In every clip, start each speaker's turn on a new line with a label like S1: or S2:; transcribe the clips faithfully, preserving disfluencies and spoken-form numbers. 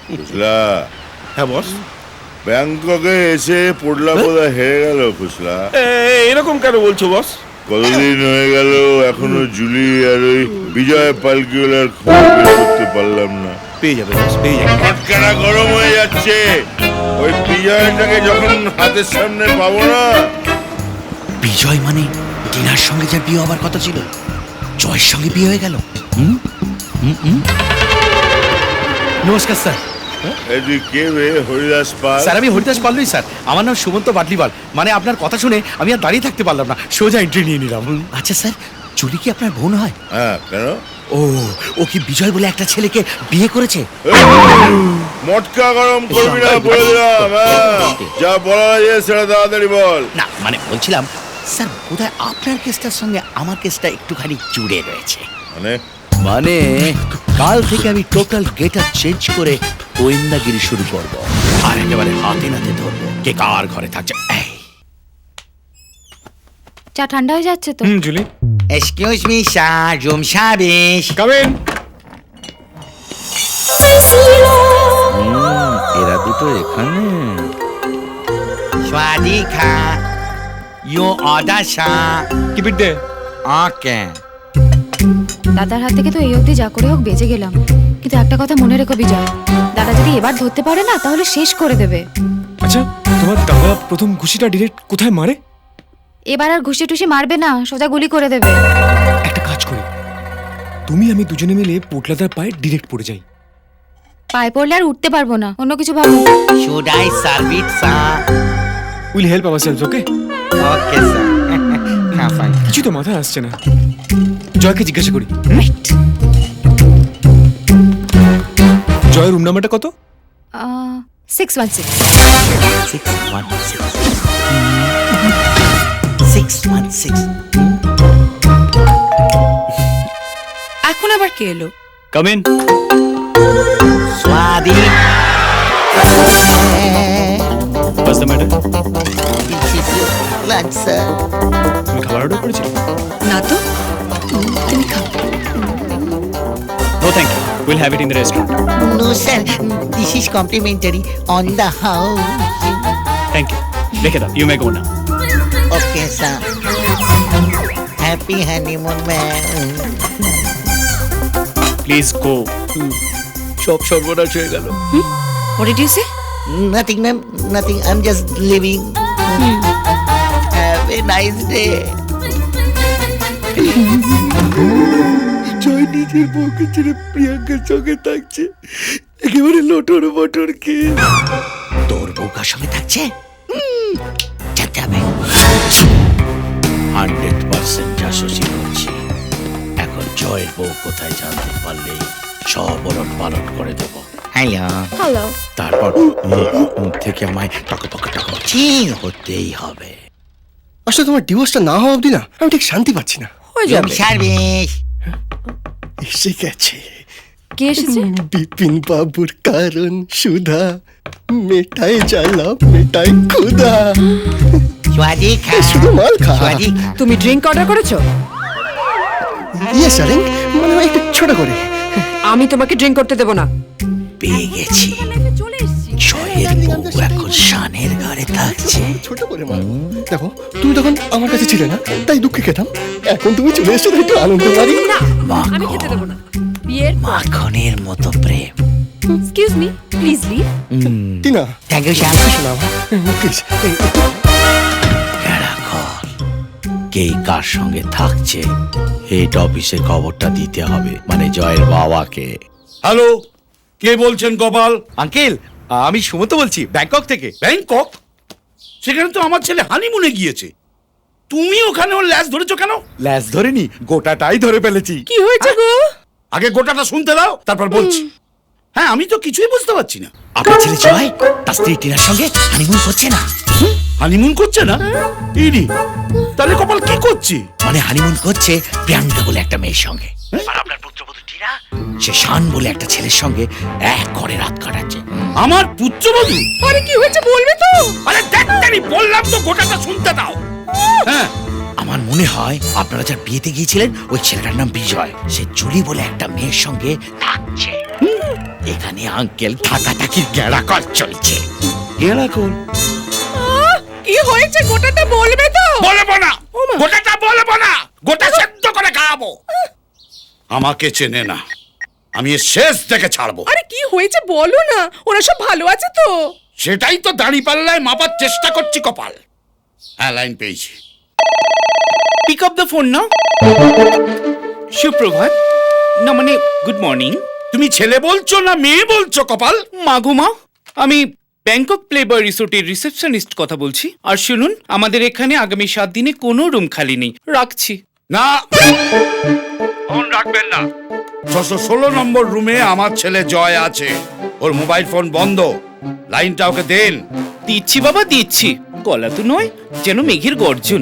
S1: খুশলা,
S2: হ্যাঁ বস।
S1: ব্যাংককে এসে পড়লা বোধ হেরে গেল খুশলা।
S2: এরকম কেন বলছো বস?
S1: কতদিন হয়ে গেল এখনো জুলি আর ওই বিজয় পালকিওয়ালার খবর বের করতে পারলাম না।
S2: পেয়ে যাবে বস, পেয়ে যাবে।
S1: ফটকাটা গরম হয়ে যাচ্ছে। ওই বিজয়টাকে যখন হাতের সামনে পাবো না।
S3: বিজয় মানে টিনার সঙ্গে যার বিয়ে হবার কথা ছিল, জয়ের সঙ্গে বিয়ে হয়ে গেল। হুম হুম হুম। নমস্কার স্যার।
S1: তুই কে রে? হরিদাস পাল?
S3: স্যার আমি হরিদাস পাল্লুই স্যার। আমার নাম সুমন্ত বাটলিওয়াল। মানে আপনার কথা শুনে আমি আর দাঁড়িয়ে থাকতে পারলাম না, সোজা এন্ট্রি নিয়ে নিলাম। আচ্ছা স্যার, জুলি কি আপনার বোন হয়?
S1: হ্যাঁ, কেন?
S3: ও ও কি বিজয় বলে একটা ছেলেকে বিয়ে করেছে?
S1: মটকা গরম করবি না বলে দিলাম। যা বলা যায় সেটা তাড়াতাড়ি বল।
S3: না মানে বলছিলাম স্যার, বোধহয় আপনার কেসটার সঙ্গে আমার কেসটা একটুখানি জুড়ে রয়েছে।
S1: মানে
S3: মানে কাল থেকে আমি টোটাল গেটআপ চেঞ্জ করে গোয়েন্দাগিরি শুরু করব, আর একেবারে হাতে নাতে ধরবো কে কার ঘরে থাকছে। এই
S4: চা ঠান্ডা হয়ে যাচ্ছে তো।
S2: হুম Julie,
S3: excuse me sir, room service.
S2: Come in.
S3: এরা দুটো এখানে। স্বাদিকা you order sir.
S2: Keep it there.
S3: Okay.
S4: দাদার হাত থেকে তো এই অবধি যা করে হোক বেঁচে গেলাম, কিন্তু একটা কথা মনে রেখো বিজয়, দাদা যদি এবার ধরতে পারে না তাহলে শেষ করে দেবে।
S2: আচ্ছা, তোমার দাদা প্রথম ঘুষিটা ডিরেক্ট কোথায় মারে?
S4: এবার আর ঘুষি টুসি মারবে না, সোজা গুলি করে দেবে।
S2: একটা কাজ করি, তুমি আমি দুজনে মিলে পোটলাদার পায়ে ডিরেক্ট পড়ে যাই।
S4: পায়ে পড়লে আর উঠতে পারবো না, অন্য কিছু ভাবো।
S3: Should I serve it sir?
S2: Will help ourselves, okay?
S3: Okay sir. হ্যাঁ ফাইন।
S2: কিছু তো মাথায় আসছে না। জয়কে জিজ্ঞাসা করি।
S4: রাইট।
S2: জয়ের রুম নাম্বারটা কত?
S4: Six one six.
S3: Six one six. Six one six.
S5: এখন আবার কে এলো?
S2: Come in.
S3: স্বাদি।
S2: What's the matter?
S3: Lunch sir.
S2: তুমি খাবার অর্ডার করেছিলে?
S5: না তো, তুমি খাও।
S2: No thank you, will have it in the restaurant.
S3: No sir, this is complimentary on the house.
S2: Thank you, রেখে দাও, you may go now.
S3: Okay sir. Happy honeymoon man.
S2: Please go. সব সর্বনাশ হয়ে গেল।
S5: What did you say?
S3: Nothing ma'am, nothing. I'm just leaving. Have a nice day. জয় নিজের বউকে ছেড়ে প্রিয়াঙ্কার সঙ্গে থাকছে, একেবারে লোটর বটর কে। তোর বউ কার সঙ্গে থাকছে জানতে হবে। হান্ড্রেড পার্সেন্ট জাসুসি করছি। এখন জয়ের বউ কোথায় জানতে পারলে সব ওলট পালট করে দেব। Hello
S4: hello.
S3: তারপর মুখ থেকে আমায় টক টক টক চি হতেই হবে।
S6: আসলে তোমার ডিভোর্সটা না হওয়া অবধি না আমি ঠিক শান্তি পাচ্ছি না।
S5: হয়ে যাবে।
S3: সার্ভিস
S6: এসে গেছে
S4: কে এসেছে?
S6: বিপিন বাবুর কারণ সুধা, মেটায় জ্বালা মেটায় ক্ষুধা।
S3: স্বাদি খা
S6: শুধু মাল খা।
S3: স্বাদি খা।
S5: তুমি ড্রিঙ্ক অর্ডার করেছো?
S6: ইয়ে স্যারেন, মানে ওই একটু ছোট করে।
S5: আমি তোমাকে ড্রিঙ্ক করতে দেবো না।
S3: পেয়ে গেছি, জয়ের বউ এখন শানের ঘরে থাকছে।
S6: ছোট করে মাল। দেখো তুমি তখন আমার কাছে ছিলে না, তাই দুঃখে খেতাম। এখন তুমি চলে এসছো তাই একটু আনন্দ পারি।
S5: না, আমি খেতে দেবো না। বিয়ের পর।
S3: মাখনের মতো প্রেম।
S5: Excuse me, please leave.
S6: Tina,
S3: thank you Shyam.
S6: শোনা প্লিজ।
S3: কে কার সঙ্গে থাকছে হেড অফিসে খবরটা দিতে হবে, মানে জয়ের বাবাকে।
S7: হ্যালো, কে বলছেন গোপাল?
S3: আঙ্কেল, আমি সুমন্ত বলছি ব্যাংকক থেকে।
S7: ব্যাংকক? সেখানে তো আমার ছেলে হানিমুনে গিয়েছে। তুমি ওখানে ওর ল্যাস ধরেছো কেন?
S3: ল্যাস ধরেনি, গোটাটাই ধরে ফেলেছি।
S5: কি হয়েছে গো?
S7: আগে গোটাটা শুনতে দাও, তারপর বলছি। হ্যাঁ, আমি তো কিছুই বুঝতে পারছি না।
S3: আপনার ছেলে জয় তার স্ত্রী টিনার সঙ্গে হানিমুন করছে না।
S7: হানিমুন করছে না? ইডি, তাহলে কপাল কি করছে?
S3: মানে হানিমুন করছে প্রিয়াঙ্কা বলে একটা মেয়ের সঙ্গে, আর আপনার পুত্রবধূ টিনা সে শান বলে একটা ছেলের সঙ্গে এক ঘরে রাত কাটাচ্ছে।
S7: আমার পুত্রবধূ?
S5: আরে কি হয়েছে বলবে তো?
S7: আরে ডাক্তারি বললাম তো গোটাটা শুনতে দাও। হ্যাঁ,
S3: আমার মনে হয় আপনারা যার বিয়েতে গিয়েছিলেন ওই ছেলেটার নাম বিজয়, সে জুলি বলে একটা মেয়ের সঙ্গে থাকছে। এখানে আঙ্কেল থাকাথাকির গেড়াকল চলছে।
S1: গেরাকল
S5: আহ, কি হয়েছে গোটাটা বলবে তো?
S7: বলবো না, গোটাটা বলবো না, গোটা সেদ্ধ করে খাওয়াবো। আমাকে চেনে না, আমি এর শেষ দেখে ছাড়বো।
S5: আরে কি হয়েছে বলো না, ওরা সব ভালো আছে তো?
S7: সেটাই তো দাড়ি পাল্লায় মাপার চেষ্টা করছি কপাল। হ্যাঁ, লাইন পেয়েছি।
S8: পিক আপ দ্য ফোন না। সুপ্রভাত, না মানে গুড মর্নিং।
S7: তুমি ছেলে বলছো না মেয়ে বলছো কপাল?
S8: মাগো মা, আমি ব্যাংকক প্লেবয় রিসোর্টের রিসেপশনিস্ট কথা বলছি। আর শুনুন, আমাদের এখানে আগামী সাত দিনে কোনো রুম খালি নেই। রাখছি।
S7: না, ফোন রাখবেন না। ছশো ষোলো নম্বর রুমে আমার ছেলে জয় আছে, ওর মোবাইল ফোন বন্ধ, লাইনটা ওকে দেন।
S8: দিচ্ছি বাবা দিচ্ছি, গলা তো নয় যেন মেঘের গর্জন।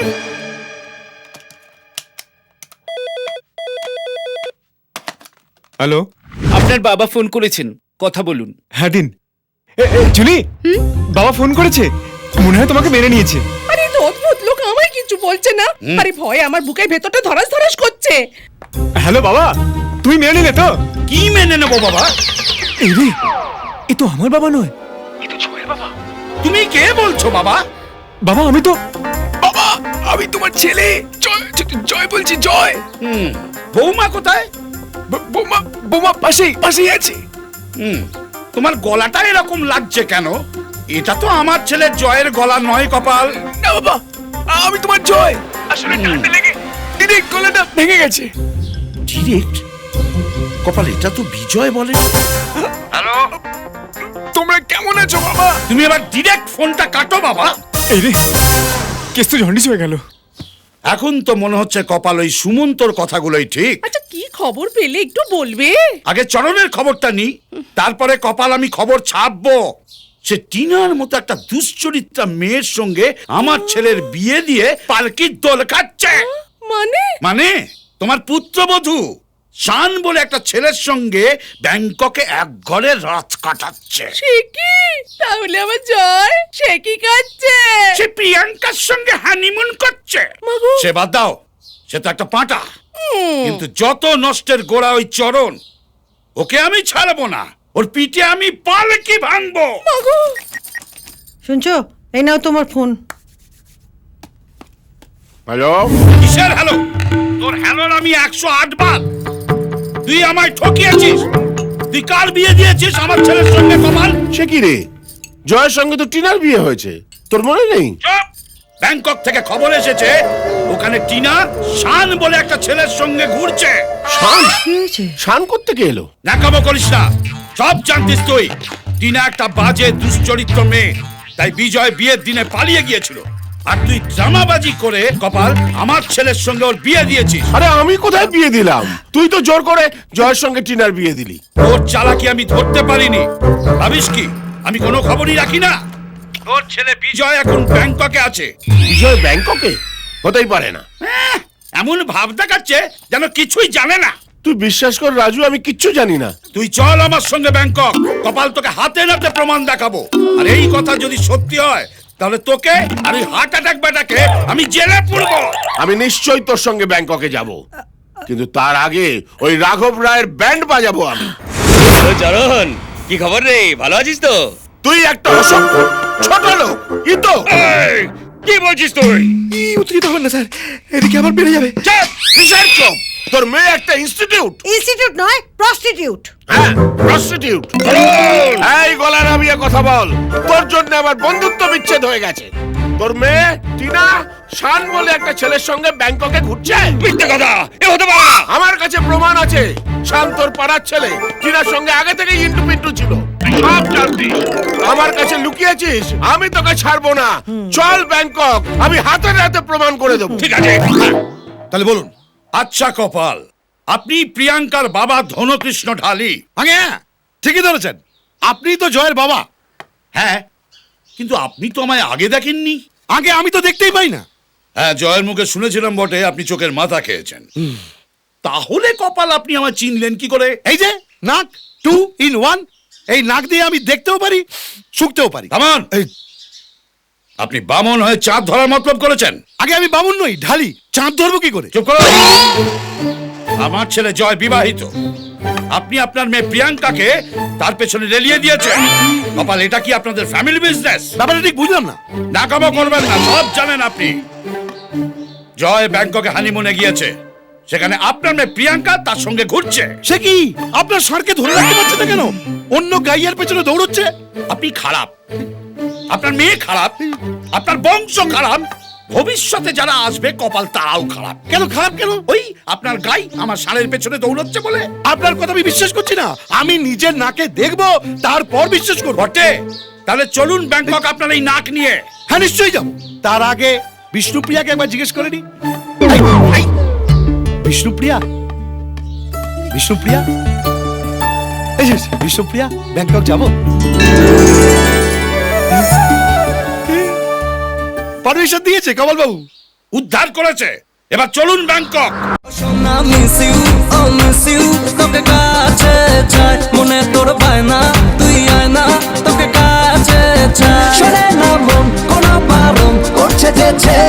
S2: হ্যালো,
S8: আপনার বাবা ফোন করেছেন, কথা বলুন।
S2: হ্যাঁ দিন। এ, এ, জুলি, বাবা ফোন করেছে, মনে হয় তোমাকে মেনে নিয়েছে।
S5: আরে তো অদ্ভুত লোক, আমায় কিছু বলছে না। আরে ভয়ে আমার বুকের ভেতরটা ধরাস ধরাস করছে।
S2: হ্যালো বাবা, তুমি মেনে নিলে তো?
S7: কি মেনে নেবো বাবা?
S2: এই রে, এ তো আমার বাবা নয়।
S7: তুমি কে বলছো বাবা?
S2: বাবা আমি তো, বাবা আমি তোমার ছেলে জয়, জ- জয় বলছি, জয়।
S7: হুম, বৌমা কোথায়?
S2: ব- বৌমা, বৌমা পাশেই পাশেই আছে।
S7: হুম, তোমার গলাটা এরকম লাগছে কেন? এটা তো আমার ছেলের জয়ের গলা নয় কপাল।
S2: না বাবা, আমি তোমার জয়। আসলে ঠান্ডা লেগে ডিরেক্ট গলাটা ভেঙে গেছে।
S7: ডিরেক্ট কপাল, এটা তো বিজয় বলে। হ্যালো,
S2: তোমরা কেমন আছো বাবা?
S7: তুমি এবার ডিরেক্ট ফোনটা কাটো বাবা।
S2: এই রে, কেস তো জন্ডিস হয়ে গেল।
S7: এখন তো মনে হচ্ছে কপাল ওই সুমন্তর কথাগুলোই ঠিক।
S5: আচ্ছা কি খবর পেলে একটু বলবে?
S7: আগে চরণের খবরটা নি, তারপরে কপাল আমি খবর ছাপবো। সে টিনার মতো একটা দুশ্চরিত্রা মেয়ের সঙ্গে আমার ছেলের বিয়ে দিয়ে পালকির দোল খাচ্ছে।
S5: মানে?
S7: মানে তোমার পুত্রবধূ শান বলে একটা ছেলের সঙ্গে ব্যাংককে এক ঘরে রাত কাটাচ্ছে।
S5: সে কি? তাহলে আমার জয় সে কি কাচ্ছে?
S7: সে প্রিয়াঙ্কার সঙ্গে হানিমুন করছে।
S5: মাগো।
S7: সে বাদ দাও, সে তো একটা পাঁটা। কিন্তু যত নষ্টের গোড়া ওই চরণ, ওকে আমি ছাড়বো না। ওর পিঠে আমি পালকি ভাঙবো।
S9: শুনছো, এই নাও তোমার ফোন।
S1: হ্যালো,
S7: কিসের হ্যালো? তোর হ্যালোর আমি একশো আট বার। তুই আমায় ঠকিয়েছিস। তুই কার বিয়ে দিয়েছিস আমার ছেলের সঙ্গে কপাল?
S1: সে কি রে, জয়ের সঙ্গে তো টিনার বিয়ে হয়েছে, তোর মনে নেই?
S7: চুপ! ব্যাংকক থেকে খবর এসেছে ওখানে টিনা শান বলে একটা ছেলের সঙ্গে ঘুরছে।
S1: শান?
S9: কি হয়েছে?
S1: শান কোত্থেকে এলো?
S7: নাকামো করিস না, সব জানতিস তুই। টিনা একটা বাজে দুশ্চরিত্র মেয়ে, তাই বিজয় বিয়ের দিনে পালিয়ে গিয়েছিল। আর তুই ড্রামাবাজি করে কপাল আমার ছেলের সঙ্গে ওর বিয়ে দিয়েছিস।
S1: আরে আমি কোথায় বিয়ে দিলাম? তুই তো জোর করে জয়ের সঙ্গে টিনার বিয়ে দিলি।
S7: ওর চালাকি আমি ধরতে পারিনি। ভাবিস কি আমি কোনো খবরই রাখি না? তোর ছেলে বিজয় এখন ব্যাংককে আছে।
S1: বিজয় ব্যাংককে? হতেই পারে না।
S7: হ্যাঁ, এমন ভাব দেখাচ্ছে যেন কিছুই জানে না।
S1: তুই বিশ্বাস কর রাজু, আমি কিচ্ছু জানি না।
S7: তুই চল আমার সঙ্গে ব্যাংকক, কপাল তোকে হাতে নাতে প্রমাণ দেখাবো। আর এই কথা যদি সত্যি হয় তাহলে তোকে আর ওই হার্ট অ্যাটাক বেটাকে আমি জেলে পুরবো।
S1: আমি নিশ্চয়ই তোর সঙ্গে ব্যাংককে যাব, কিন্তু তার আগে ওই রাঘব রায়ের ব্যান্ড বাজাবো আমি।
S3: চরণ, কি খবর রে? ভালো আছিস তো?
S1: তুই একটা অসভ্য ছোট লোক, ই তো।
S7: এই, কি বলছিস তুই?
S2: ই উত্তেজিত হবেন না স্যার, এদিকে আবার বেড়ে যাবে।
S1: চুপ! কিসের চুপ? তোর মেয়ে একটা ইনস্টিটিউট।
S9: ইনস্টিটিউট নয়, প্রস্টিটিউট।
S1: হ্যাঁ, প্রস্টিটিউট। এই গলা নামিয়ে কথা বল, তোর জন্য আমার বন্ধুত্ব বিচ্ছেদ হয়ে গেছে। তোর মেয়ে টিনা শান বলে একটা ছেলের সঙ্গে ব্যাংককে ঘুরছে।
S7: মিথ্যে কথা, এ হতে পারে না।
S1: আমার কাছে প্রমাণ আছে, শান তোর পাড়ার ছেলে, টিনার সঙ্গে আগে থেকে ইন্টু পিন্টু ছিল। সব জানতিস, আমার কাছে লুকিয়েছিস। আমি তোকে ছাড়বো না। চল ব্যাংকক, আমি হাতে হাতে প্রমাণ করে দেবো।
S7: ঠিক আছে, তাহলে বলুন। আচ্ছা কপাল, আপনি প্রিয়াঙ্কার বাবা ধনকৃষ্ণ ঢালি?
S6: আগে ঠিকই ধরেছেন, আপনি তো জয়ের বাবা।
S7: হ্যাঁ, কিন্তু আপনি তো আমায় আগে দেখেননি।
S6: আগে আমি তো দেখতেই পাই না।
S7: হ্যাঁ, জয়ের মুখে শুনেছিলাম বটে আপনি চোখের মাথা খেয়েছেন। তাহলে কপাল আপনি আমায় চিনলেন কি করে?
S6: এই যে নাক, টু ইন ওয়ান। এই নাক দিয়ে আমি দেখতেও পারি, শুকতেও পারি।
S7: থামান!
S6: এই
S7: আপনি বামন হয়ে চাঁদ ধরার মতলব করেছেন।
S6: আগে আমি বামুন নই, ঢালি। চাঁদ ধরবো কি করে?
S7: চুপ করো। আমার ছেলে জয় বিবাহিত, আপনি আপনার মেয়ে প্রিয়াঙ্কাকে তার পেছনে রেলিয়ে দিয়েছেন। কপাল, এটা কি আপনাদের ফ্যামিলি বিজনেস?
S3: ব্যাপারটা ঠিক বুঝলাম না।
S7: নাকামো করবেন না, সব জানেন আপনি। জয় ব্যাংককে হানিমুনে গিয়েছে, সেখানে আপনার মেয়ে প্রিয়াঙ্কা তার সঙ্গে ঘুরছে।
S3: সে কি আপনার ষাঁড়কে ধরে রাখতে পারছে না কেন? অন্য গাইয়ার পেছনে দৌড়চ্ছে।
S7: আপনি খারাপ, আপনার মেয়ে খারাপ, আপনার বংশ খারাপ, ভবিষ্যতে যারা আসবে কপাল তারাও খারাপ।
S3: কেন খারাপ কেন?
S7: ওই আপনার গাই আমার ষাঁড়ের পেছনে দৌড়চ্ছে বলে।
S3: আপনার কথা আমি বিশ্বাস করছি না। আমি নিজের নাকে দেখবো, তারপর বিশ্বাস করবো।
S7: বটে, তাহলে চলুন ব্যাংকক আপনার এই নাক নিয়ে।
S3: হ্যাঁ, নিশ্চয়ই যাবো। তার আগে বিষ্ণুপ্রিয়াকে একবার জিজ্ঞেস করে নি। বিষ্ণুপ্রিয়া, বিষ্ণুপ্রিয়া, এই যে বিষ্ণুপ্রিয়া, ব্যাংকক যাবো। পারমিশন দিয়েছে কমল বাবু।
S7: উদ্ধার করেছে, এবার চলুন ব্যাংকক।
S10: সোনা মিস ইউ, ও মিস ইউ, তোকে কাছে চাই, মনে তোর পায় না, তুই আয় না, তোকে কাছে চাই। শোনে না মন, কোনো বারণ করছে যে